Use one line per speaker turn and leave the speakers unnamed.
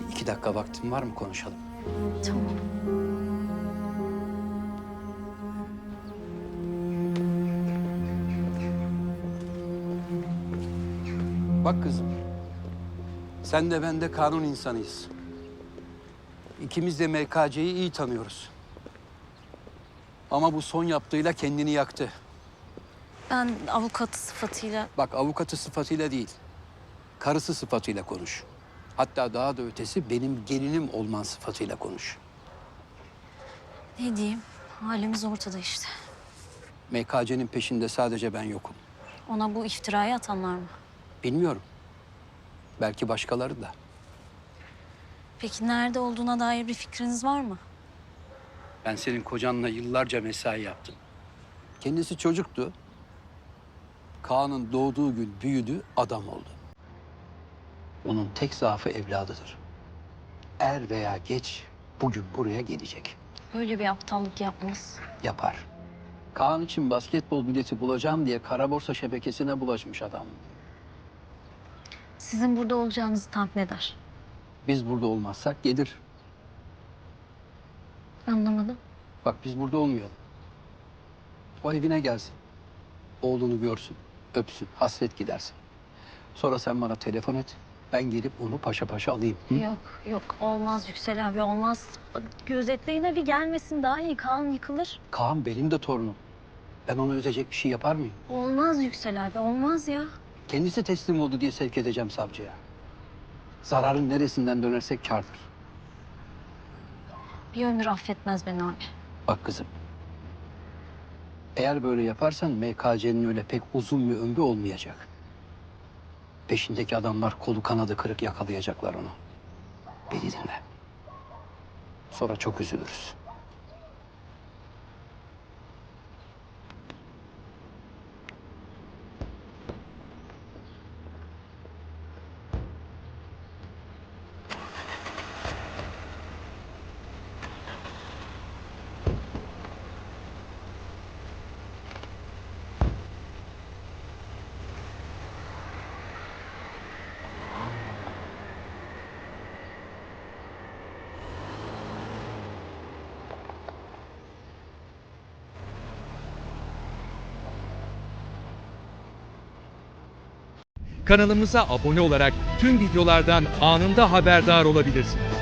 2 dakika vaktin var mı, konuşalım?
Tamam.
Bak kızım, sen de ben de kanun insanıyız. İkimiz de MKC'yi iyi tanıyoruz. Ama bu son yaptığıyla kendini yaktı.
Ben avukatı sıfatıyla...
Bak, avukatı sıfatıyla değil, karısı sıfatıyla konuş. Hatta daha da ötesi benim gelinim olman sıfatıyla konuş.
Ne diyeyim? Halimiz ortada işte.
MKC'nin peşinde sadece ben yokum.
Ona bu iftirayı atanlar mı?
Bilmiyorum. Belki başkaları da.
Peki nerede olduğuna dair bir fikriniz var mı?
Ben senin kocanla yıllarca mesai yaptım. Kendisi çocuktu. Kaan'ın doğduğu gün büyüdü, adam oldu. Onun tek zaafı evladıdır. Er veya geç bugün buraya gelecek.
Böyle bir aptallık yapmaz.
Yapar. Kaan için basketbol bileti bulacağım diye kara borsa şebekesine bulaşmış adam.
Sizin burada olacağınızı tahmin eder.
Biz burada olmazsak gelir.
Anlamadım.
Bak, biz burada olmayalım. O evine gelsin. Oğlunu görsün, öpsün, hasret gidersin. Sonra sen bana telefon et. Ben gelip onu paşa paşa alayım. Hı?
Yok, yok. Olmaz Yüksel abi, olmaz. Gözetleyin bir gelmesin daha iyi. Kaan yıkılır.
Kaan benim de torunum. Ben ona üzecek bir şey yapar mıyım?
Olmaz Yüksel abi, olmaz ya.
Kendisi teslim oldu diye sevk edeceğim savcıya. Zararın neresinden dönersek kârdır.
Bir ömür affetmez beni abi.
Bak kızım. Eğer böyle yaparsan MKC'nin öyle pek uzun bir ömrü olmayacak. Peşindeki adamlar kolu kanadı kırık yakalayacaklar onu. Beni dinle. Sonra çok üzülürüz.
Kanalımıza abone olarak tüm videolardan anında haberdar olabilirsiniz.